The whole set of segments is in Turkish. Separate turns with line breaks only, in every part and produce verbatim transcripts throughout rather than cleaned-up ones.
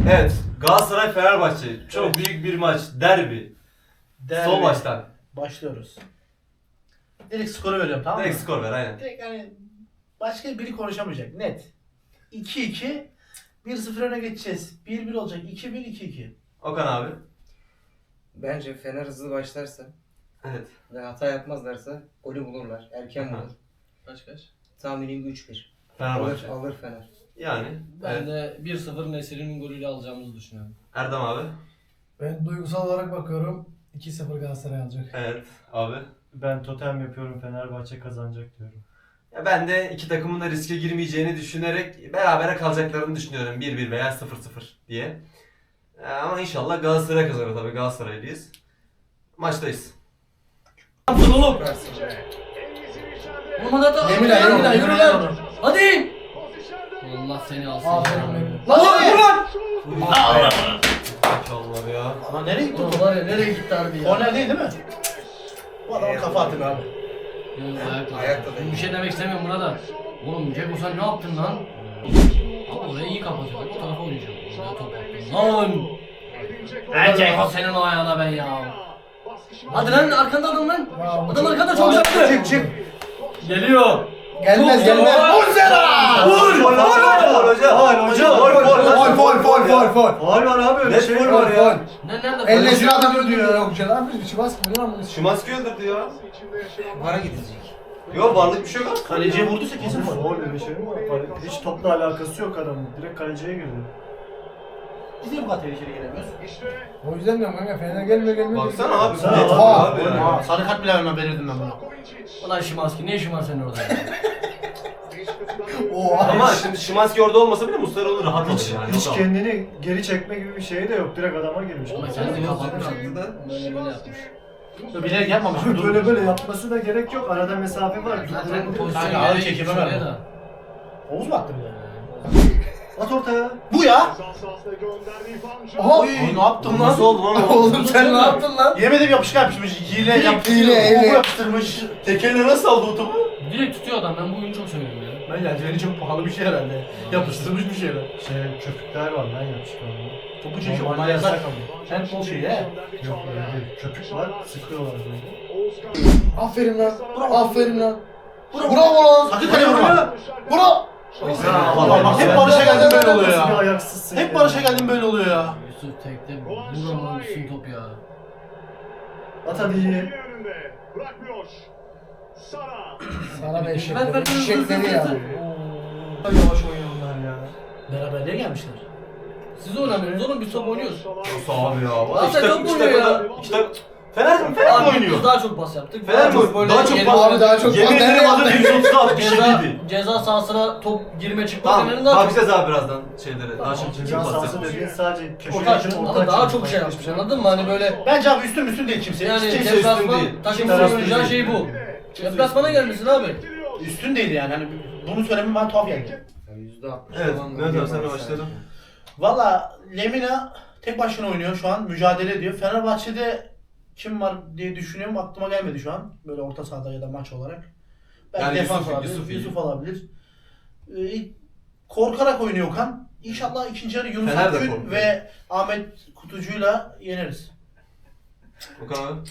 Evet, Galatasaray Fenerbahçe. Çok evet. Büyük bir maç. Derbi. Derbi. Son maçtan.
Başlıyoruz. Direkt skoru veriyorum, tamam mı?
Direkt skor ver, aynen.
Direkt hani başka biri konuşamayacak, net. iki iki, bir sıfır öne geçeceğiz. bir bir olacak. iki bir, iki iki.
Okan abi.
Bence Fener hızlı başlarsa
evet.
ve hata yapmazlarsa golü bulurlar. Erken bulur.
Kaç kaç?
Tahminim üç bir.
Fenerbahçe.
Alır, alır Fener.
Yani.
Ben
evet.
de bir sıfır Nesir'in golüyle alacağımızı düşünüyorum.
Erdem abi.
Ben duygusal olarak bakıyorum. iki sıfır Galatasaray alacak.
Evet abi.
Ben totem yapıyorum, Fenerbahçe kazanacak diyorum.
Ya ben de iki takımın da riske girmeyeceğini düşünerek berabere kalacaklarını düşünüyorum. bir bir veya sıfır sıfır diye. Ama inşallah Galatasaray kazanır, tabii Galatasaraylıyız. Maçtayız.
Yaptın oğlum. Oğlum hadi hadi.
Yemin ederim,
Yürü
yemin
lan.
ederim.
Hadi. Allah seni alsın.
Aferin
ya.
benim.
Lan vur lan!
İnşallah ya.
Lan nereye gitti
Oğlum
bu?
var ya nereye gitti harbi ya?
Korner değil değil mi? Bu adama kafa atın abi.
Yok, ayakta.
Ayakta değil.
Bir şey demek istemiyorum buna da. Oğlum Ceko sen ne yaptın lan? Abi orayı iyi kapatıyor. Bu tarafa oynayacağım. Oraya top attın lan. Ben Ceko senin o ayağına ben ya. Hadi lan arkanda adam lan. Adam arkanda çok yaptı.
Çık çık.
Geliyor.
Gelmez gelmez.
Vur Sera!
Vur! Vur! Vur! Hoca!
Hayır hoca!
Vur! Vur!
Fol fol fol fol fol.
Faul var abi, öyle
Net
şey
faul
var
var
ya.
ya.
Ne nerede?
Elle şunu adam öldürüyor ya. Ne yapıyorsun? Şivas mı? Ne yapıyorsun?
Şimanski öldürdü ya.
Vara gidecek.
Yok, varlık bir şey yok.
Kaleciye vurduysa kesin vur.
Faul öyle şey mi var? Hiç topla alakası yok adamın. Direkt kaleciye girdi.
Biz niye bu kadar tehlikeli gelemiyoruz?
O yüzden diyorum kanka Fener gelmiyor gelmiyor.
Baksana abi.
Baksana
net
abi.
faul abi.
Aa,
ya.
Aa, sarı kart bile vermem, verirdim ben buna.
Ulan Şimanski ne işin var senin orada ya?
Oha.
Ama şimdi Şimanski orada olmasa bile Muslera onu rahat
Hiç,
alır yani.
hiç
O da-
kendini geri çekme gibi bir şey de yok. Direkt adama girmiş.
Ama kendini kapatmış aslında da böyle böyle yapmış.
Bilerek yapmamış.
Böyle böyle yapması da gerek yok. Arada mesafe var.
Zaten bu
Durdurabilir.
pozisyonu
Kanka, ağır
nereye
çekime
gitmiş oraya
verme.
da.
Oğuz mu attı bile?
At ortaya.
Bu ya!
Aha.
Oy, ne yaptın lan?
Nasıl oldu lan o?
Oğlum sen ne yaptın lan?
Yemedim, yapışkan yapışmış. Hile yaptı.
hile,
Hile,
hile.
yapıştırmış.
Tekerle nasıl aldı o topu?
Direkt tutuyor adam, ben bu oyunu çok seviyorum ya.
Ben eldiveni çok pahalı bir şey herhalde. Yapıştırmış bir şeyler.
Şey, köpükler var lan yapışkanlı.
Topu çekiyor,
Normalde
onlar yasak.
ama.
Handball şeyi he.
Yok öyle değil. Köpük var, sıkıyorlar böyle.
Aferin lan. Aferin lan. Bravo lan.
Sakın kaleye vurma.
Bravo.
Allah bak, hep Barış'a geldim böyle oluyor
Nasıl bir
ya.
ayaksızsın
Hep
ya?
Barış'a geldim böyle oluyor ya.
Yusuf tekte vuramam üstün top ya.
At hadi iyi.
Sana da eşek.
Ver, ver, ver,
Eşekleri
ver,
ya.
ver, ver.
Yavaş oynuyorlar ya.
Beraberliğe gelmişler.
Siz oynamıyorsunuz oğlum, biz top oynuyoruz.
Nasıl abi ya? Valla iki
Zaten
takım,
top
iki
oynuyor
takım
ya.
da... iki takım... Fener mi? Fener mi
Abi
oynuyor?
biz daha çok pas yaptık.
Fener mi?
çok böyle
Daha çok
geri-
pas-
Abi daha çok
Yemin
nereye
ederim adı
yaptın?
yüz otuz altmış
Ceza,
yediydi.
ceza sahasına top girme çıkma
Tamam,
Fener'in daha çok.
bakacağız abi birazdan şeylere. Daha çok
Ceza
kim pas
sahası
yapmış.
dediğin sadece köşeye
Orta
açıp
açık
orta
ama daha
açıp
çok şey yapmış, anladın mı? Hani böyle
Bence abi üstün üstün değil kimse.
yani
kimse
üstün
deplasman
değil.
takımın
Kimse üstün
oynayacağı
değil.
şey bu. Deplasmana gelmişsin abi.
üstün değil yani. Hani bunu söylemem ben tuhaf geldi.
yüzde altmış
Evet,
falan
Mehmet
gol
abi, sen de
var
başladın.
sadece.
Valla Lemina tek başına oynuyor şu an. Mücadele ediyor. Fenerbahçe'de kim var diye düşünüyorum. Aklıma gelmedi şu an. Böyle orta sahada ya da maç olarak. Belki
Yani
defans
Yusuf-
olabilir.
Yusuf
Yusuf,
iyi.
olabilir. Ee, korkarak oynuyor Okan. İnşallah ikinci yarı Yunus
Fener de
Akgün
korkuyor.
ve Ahmet Kutucu'yla yeneriz.
Okan abi.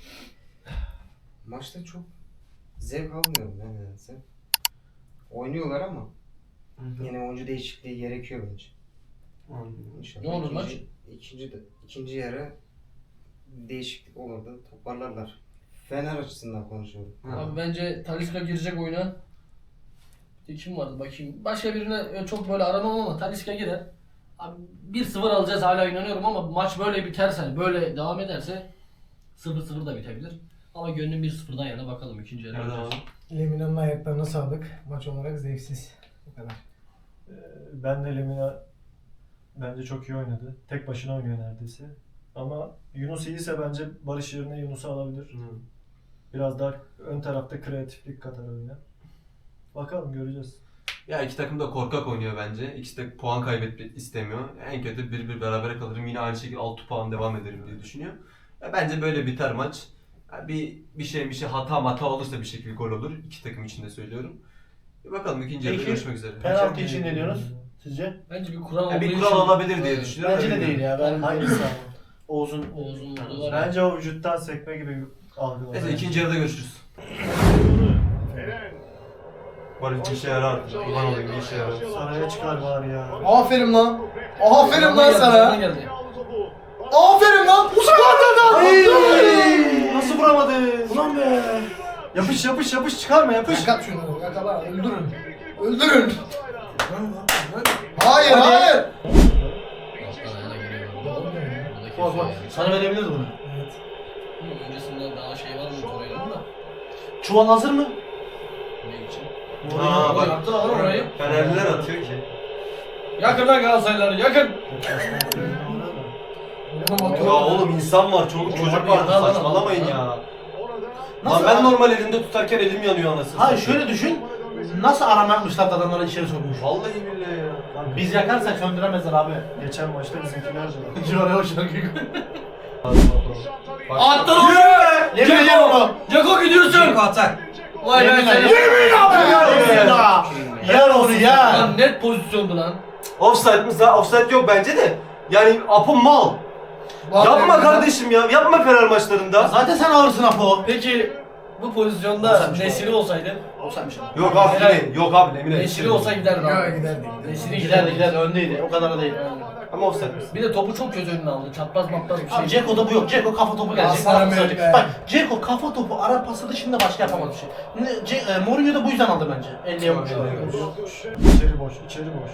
Maçta çok zevk almıyorum ben nedense. Oynuyorlar ama yine oyuncu değişikliği gerekiyor bence. İnşallah
Ne olur
ikinci,
maç?
ikinci, de, ikinci yarı değişiklik olur da toparlarlar. Fener açısından konuşuyorum.
Abi bence Talisca girecek oyuna. Bir de kim vardı bakayım. Başka birine çok böyle aramam ama Talisca girer. Abi bir sıfır alacağız, hala inanıyorum ama maç böyle biterse, hani böyle devam ederse sıfır sıfır da bitebilir. Ama gönlüm bir sıfırdan yana, bakalım ikinci yarı.
Nerede abi?
Lemina'nın ayaklarına sağlık. Maç olarak zevksiz. Bu kadar.
Ee, Ben de Lemina bence çok iyi oynadı. Tek başına oynuyor neredeyse. Ama Yunus iyiyse bence Barış yerine Yunus'u alabilir. Biraz daha ön tarafta kreatiflik katar oyuna. Bakalım, göreceğiz.
Ya iki takım da korkak oynuyor bence. İkisi de puan kaybetmek istemiyor. En kötü bir bir berabere kalırım. Yine aynı şekilde altı puan devam ederim diye düşünüyor. Ya bence böyle biter maç. Ya bir bir şey bir şey hata mata olursa bir şekilde gol olur. İki takım için de söylüyorum. Bir bakalım, ikinci yarıda
Peki,
görüşmek üzere.
Penaltı için ne diyorsunuz? Sizce?
Bence bir kural
Ya
olduğu
bir
için.
kural olabilir diye düşünüyorum.
Bence de değil ya. Ben
Hangisi ama?
Oğuz'un
Oğuz'un vurduğu var. ya.
Bence o vücuttan sekme gibi algılanıyor.
Neyse ikinci yarıda görüşürüz. Barış bir işe yarar. Kurban olayım bir işe yarar.
Saraya çıkar bari ya.
Aferin lan. Aferin
Yanına
lan
geldi, yanına
sana.
geldi.
Aferin lan.
Ay! Nasıl vuramadı?
Ulan be.
Yapış yapış yapış çıkarma yapış.
Yakat şunu. Yakala. Öldürün. Öldürün. Hayır hayır.
Alttan ayağına giriyor. Buradaki
Bak bak.
şey-
Sana verebiliriz bunu.
Bunun öncesinde daha şey var mı Torreira'nın da?
Çuval hazır mı?
Ne için?
Aa, bak.
Yaptı lan orayı.
Fenerliler atıyor ki.
Yakın lan Galatasaraylılar yakın.
Ya oğlum insan var, çoluk çocuk var.
Lan, lan,
Saçmalamayın
lan.
ya. Lan
Nasıl
ben
ya?
normal elimde tutarken elim yanıyor anasını.
Hayır
satayım.
şöyle düşün. Nasıl arama yapmışlar da adamları içeri sokmuş.
Vallahi billahi ya.
Biz yakarsak söndüremezler abi.
Geçen maçta bizimkiler de.
Civaraya o şarkıyı.
Attın onu.
Yemin ediyorum onu.
Ceko gidiyorsun.
atak.
Vay be
Yemin
seni.
ediyorum. Yer onu yer.
Lan net pozisyondu lan.
Offside mi? Za- Offside yok bence de. Yani Apo mal. Yapma kardeşim ya. Yapma Fener maçlarında.
Zaten sen ağırsın Apo.
Peki bu pozisyonda
Olsaymış
Nesiri olsaydı?
Olsaymış.
Yok abi
Helal.
Lemine. Yok abi Lemine.
Nesiri olsa giderdi
Ya
abi.
giderdi.
Nesiri
Giderdi
giderdi.
giderdi öndeydi. O kadar da değil.
Ama offside.
Bir de topu çok göz önüne aldı. Çapraz mapraz bir şey.
Abi Ceko'da bu yok. Ceko kafa topu gelecek.
Aslanım
Ara pası
benim
gelecek.
be.
Bak Ceko kafa topu ara pası dışında başka yapamaz bir şey. Ne- Ce e, Mourinho da bu yüzden aldı bence. elliye vurmuş.
İçeri boş, içeri boş.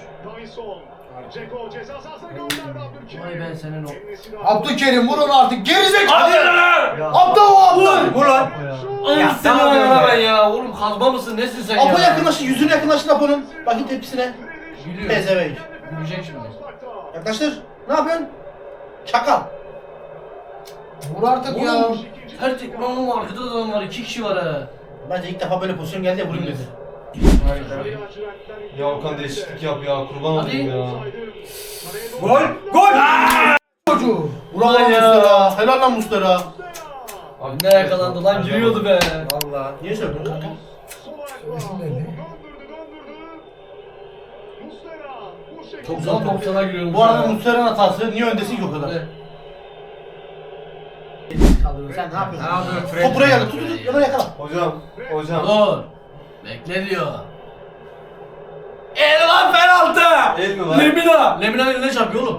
Vay ben senin o.
Abdülkerim vur onu artık. Gerizekalı.
Hadi lan!
Ya.
Aptal o aptal.
Vur lan.
Ay
Ya,
seni
tamam
ayağına
öyle.
ben ya. Oğlum kazma mısın nesin sen ya?
Apo yakınlaşın. Yüzünü yakınlaşın Apo'nun. Bakın tepkisine.
Gülüyor.
Pezevenk.
Gülecek şimdi.
Yaklaştır. Ne yapıyorsun? Çakal.
Vur artık ya.
Oğlum her tek oğlum arkada da adam var. iki kişi var ha.
Bence ilk defa böyle pozisyon geldi ya vurayım dedi.
Ya Okan değişiklik yap ya. Kurban
Hadi.
olayım ya.
Gol! Gol!
Çocuğu.
Bravo
Ulan ya.
Mustera. Helal lan Mustera.
Abi
Ne yakalandı lan gülüyordu be.
Valla.
Niye söylüyorsun kanka?
Çok güzel top sana gülüyorum.
Bu arada Mustera'nın hatası. Niye öndesin ki o kadar?
Evet.
Kaldırıyorsun. Sen ne yapıyorsun?
Ne yapıyorsun Fred?
Top buraya geldi. Tut tut tut. Yana yakala.
Hocam. Hocam.
Dur. Bekle diyor. El lan penaltı.
El mi var?
Lemina. Lemina eline çarpıyor oğlum.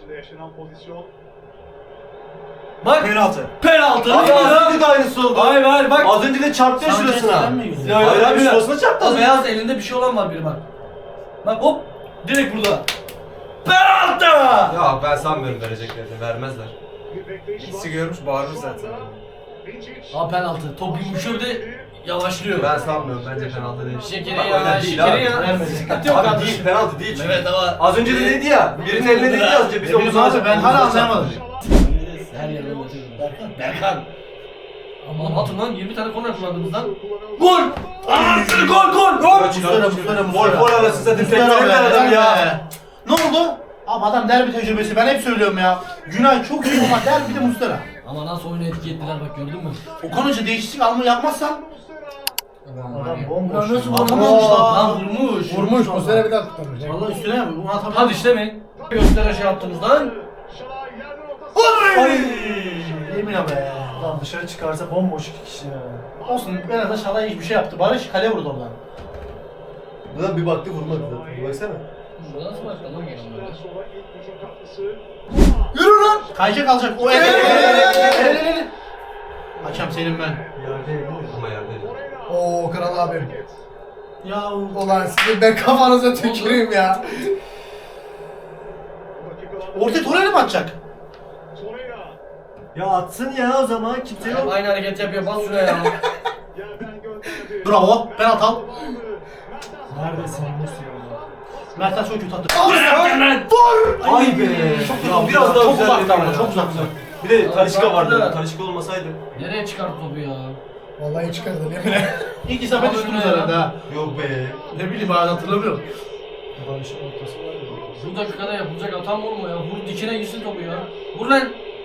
Bak
Penaltı.
penaltı.
Abi az
Lemina.
önce de aynısı oldu.
Hayır hayır bak.
Az önce de çarptı ya
Sanchez
şurasına.
falan mı yiyor?
Ya,
Hayır abi
Lemina.
şurasına çarptı.
O beyaz elinde bir şey olan var biri bak. Bak hop. Direkt burada. Penaltı.
Ya ben sanmıyorum vereceklerini. Vermezler.
İkisi görmüş bağırmış zaten.
Aa penaltı. Top yumuşuyor bir de yavaşlıyor.
Ben sanmıyorum. Bence penaltı değil.
Şekeri
Bak,
ya,
öyle değil
şekeri
abi.
ya.
Vermedi.
Sıkıntı yok
Abi
kardeşim.
değil, penaltı değil çünkü.
Evet ama
Az önce de dedi ya, birinin eline dedi az önce biz
Ne bileyim
omuzuna
abi ben hala anlayamadım.
her yerden batıyor. Berkan. Berkan. Aman atın lan yirmi tane korner kullandınız lan. Gol! Anasını gol gol gol!
Mustera Mustera
Gol gol arası zaten
Mustera
tekrar
be,
adam ya.
be. Ne oldu? Abi adam derbi tecrübesi. Ben hep söylüyorum ya. Günay çok iyi ama derbide Mustera.
Ama nasıl oyunu etikettiler bak gördün mü?
Okan Hoca değişiklik alma yapmazsan
Adam bomboş.
Ulan nasıl
ya.
vuramamış lan?
Lan vurmuş.
Vurmuş. Bu sene bir daha kurtarmış.
Vallahi üstüne mi? Bunu atamam.
Hadi işte mi? Göstere şey yaptınız lan.
Ay! Yemin be.
Lan dışarı çıkarsa bomboş iki kişi ya.
Olsun en azından Şalay hiçbir şey yaptı. Barış kale vurdu oradan.
Buna bir baktı vurmadı zaten. Baksana.
Bu nasıl başkan lan gelen böyle?
Yürü lan! Kayacak alacak. O el el el el el el el. Hakem senin ben.
Yerde
Ama yerdeydi.
Oo kral abim.
Ya
Ulan sizin ben kafanıza tüküreyim ya.
orta Torreira mı atacak?
Ya atsın ya o zaman kimse yok.
Aynı hareket yapıyor bas şuraya ya.
Bravo. Penaltı al.
Neredesin Yunus ya?
Mertens çok kötü attı.
Ay be.
Çok
Ya biraz daha
çok
güzel
uzakta ama
ya.
çok uzakta.
Bir de Talişka vardı.
Uzakta.
Talişka olmasaydı.
Nereye çıkarttı topu ya?
Vallahi çıkardı yemin
İlk isabet
Abi
üstümüz
ne ya?
herhalde ha.
Yok be.
Ne bileyim abi hatırlamıyorum.
Barış'ın ortası var ya.
Bu dakikada yapılacak atam vurma ya. Vur dikine gitsin topu ya. Vur lan.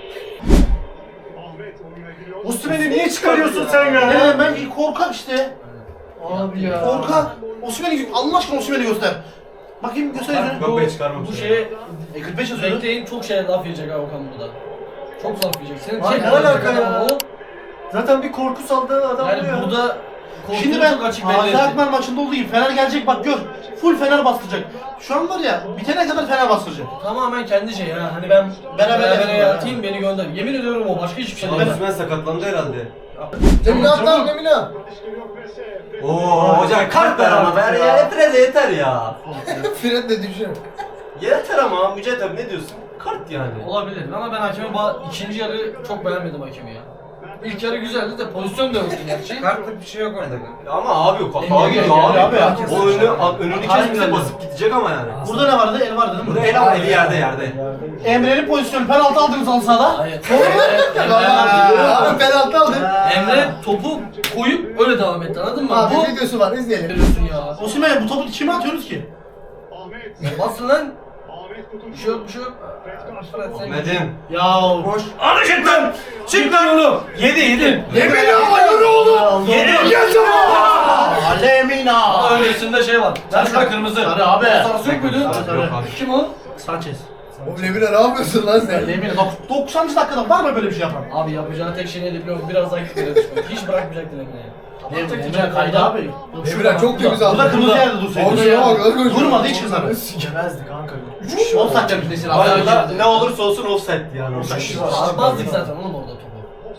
Osimhen'i niye çıkarıyorsun sen ya?
Ne ben korkak işte.
Abi ya.
Korkak. Osimhen'i Allah aşkına Osimhen'i göster. Bakayım göster yüzünü.
Yok be çıkarmamış.
Bu
ya.
şeye
E kırk beş yazıyordu.
bekleyin çok şey laf yiyecek ha Okan burada. Çok laf yiyecek. Senin
Ay,
tek
ne
alacak
alaka
adam
ya?
o.
Zaten bir korku saldığı adam
Yani
bu ya.
burada
Şimdi
korkuyu
ben
çok açık belli
Gazi
etti.
Akman maçında olduğu gibi Fener gelecek bak gör. Full Fener bastıracak. Şu an var ya bitene kadar Fener bastıracak.
Tamamen kendi şey ya. Hani ben
Beraber
beraber
yapın
yatayım beni gönder. Yemin ediyorum o başka hiçbir şey
Ama
değil.
Osimhen sakatlandı herhalde.
Lemina at lan Lemina.
Oo hocam kart ver ama ver ya. Yeter de yeter ya.
Fred de düşün.
Yeter ama Mücahit abi ne diyorsun? Kart yani.
Olabilir ama ben hakemi ba- ikinci yarı çok beğenmedim hakemi ya. İlk yarı güzeldi de pozisyon da yoktu gerçi.
Kartlık bir şey yok orada.
Ama abi kafa
Engel
gidiyor
engel
abi.
abi.
O önü, önünü
Aynen
kesmese
öyle.
basıp gidecek ama yani.
Burada ne vardı? El vardı değil mi?
Burada el ama eli yerde yerde.
Yerde-
Emre'nin pozisyonu penaltı aldınız halı sahada.
Hayır. Emre, Emre,
Abi penaltı aldı.
Emre topu koyup öyle devam etti anladın mı?
Abi
Bu
videosu var izleyelim.
veriyorsun ya.
Osimhen bu topu kime atıyorsunuz ki?
Basın lan. Bir şey yok bir şey yok. Fred sen
Ahmet'im.
Ya
Boş.
Hadi çık lan! Çık lan oğlum! Yedi yedi.
Lemina yürü oğlum.
Yedi.
Lemina.
Aa, öncesinde şey var. Sen şurada kırmızı.
Sarı abi.
Sarısı yok muydu?
Sarı, sarı.
Yok abi.
Kim o?
Sanchez.
Oğlum Lemina ne yapıyorsun lan sen?
Lemina. Dok- doksanıncı dakikada var mı böyle bir şey yapan?
Abi yapacağı tek şey neydi biliyor musun? Biraz daha gitmeye düşmek. Hiç bırakmayacaktı Emine'yi.
Lemina kaydı abi.
Lemina çok temiz aldı.
Burada kırmızı yerde dursaydı.
Abi ya bak nasıl koşuyor.
Durmadı hiç kızarı.
Yemezdi kanka. Üç kişi
On
var.
saat yapmış nesil
Var
abi.
ya, ne olursa olsun offside yani.
Üç kişi
Offside.
var.
Atmazdık zaten oğlum orada topu.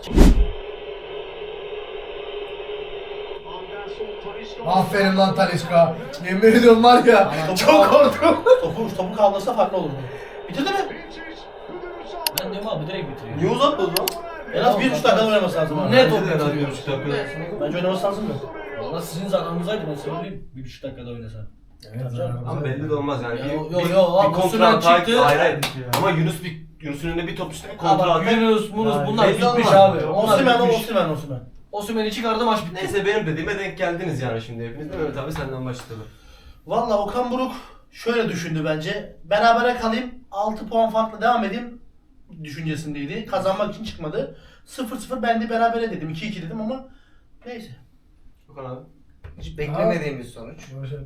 Aferin lan Talisca. Yemin ediyorum var ya. Çok korktum.
Topu, topu kaldırsa farklı olurdu. Bitirdi mi?
Ben diyorum abi direkt bitiriyor.
Niye uzatmadı lan?
En az bir buçuk dakikada oynaması lazım abi.
Ne top
Bence de en az bir
bitiriyor?
buçuk dakika.
Bence oynaması lazım mı?
Valla sizin zamanınızdaydı ben söyleyeyim. Bir buçuk dakikada oynasa.
Ama belli de olmaz yani.
Ya,
Bir-
yo,
bir-
yo, abi,
bir kontra
Osimhen
atak.
çıktı.
Hayır hayır.
Ya.
Ama Yunus bir Yunus'un önünde bir top işte
Abi
kontra
bak
atak.
Yunus, Munus
Yani
bunlar
belli
bitmiş
olmaz.
abi. Onlar
Osimhen o
bitmiş.
Osimhen Osimhen.
Osimhen'i çıkardı maç bitti.
Neyse benim dediğime denk geldiniz yani şimdi hepiniz. Mehmet abi senden başlayalım.
Valla Okan Buruk şöyle düşündü bence. Berabere kalayım, altı puan farklı devam edeyim düşüncesindeydi. Kazanmak için çıkmadı. sıfır sıfır ben de berabere dedim. iki iki dedim ama neyse.
Okan abi.
Hiç beklemediğim bir sonuç.
şey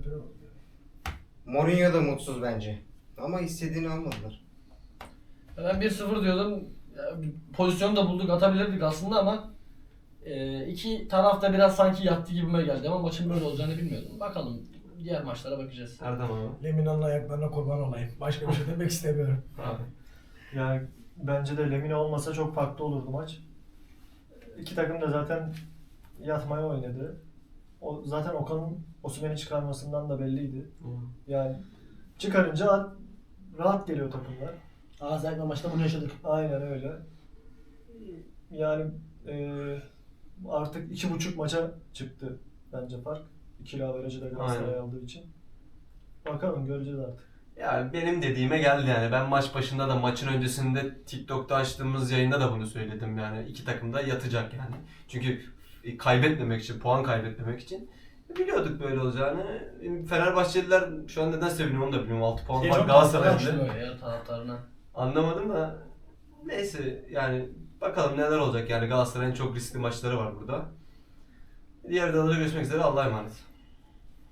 Mourinho da mutsuz bence. Ama istediğini almadılar.
Ben bir sıfır diyordum. Ya, Pozisyonu da bulduk atabilirdik aslında ama e, iki taraf da biraz sanki yattı gibime geldi ama maçın böyle olacağını bilmiyordum. Bakalım diğer maçlara bakacağız.
Erdem abi.
Lemina'nın ayaklarına kurban olayım. Başka bir şey demek istemiyorum.
Abi.
Yani bence de Lemina olmasa çok farklı olurdu maç. İki takım da zaten yatmaya oynadı. O zaten Okan'ın Osimhen'i çıkarmasından da belliydi. Yani çıkarınca rahat geliyor takımlar.
Gaziantep maçta bunu yaşadık.
Aynen öyle. Yani eee, artık iki buçuk maça çıktı bence fark. İkili averajı da Galatasaray
Aynen.
aldığı için. Bakalım göreceğiz artık.
Yani benim dediğime geldi yani. Ben maç başında da maçın öncesinde TikTok'ta açtığımız yayında da bunu söyledim yani. İki takım da yatacak yani. Çünkü kaybetmemek için, puan kaybetmemek için biliyorduk böyle olacağını. Fenerbahçeliler şu an neden seviniyor onu da bilmiyorum. altı puan
Şey
var
çok
Galatasaray'da.
Şunu ya taraftarına.
Anlamadım da neyse yani bakalım neler olacak yani Galatasaray'ın çok riskli maçları var burada. Diğer videolarda görüşmek üzere Allah'a emanet.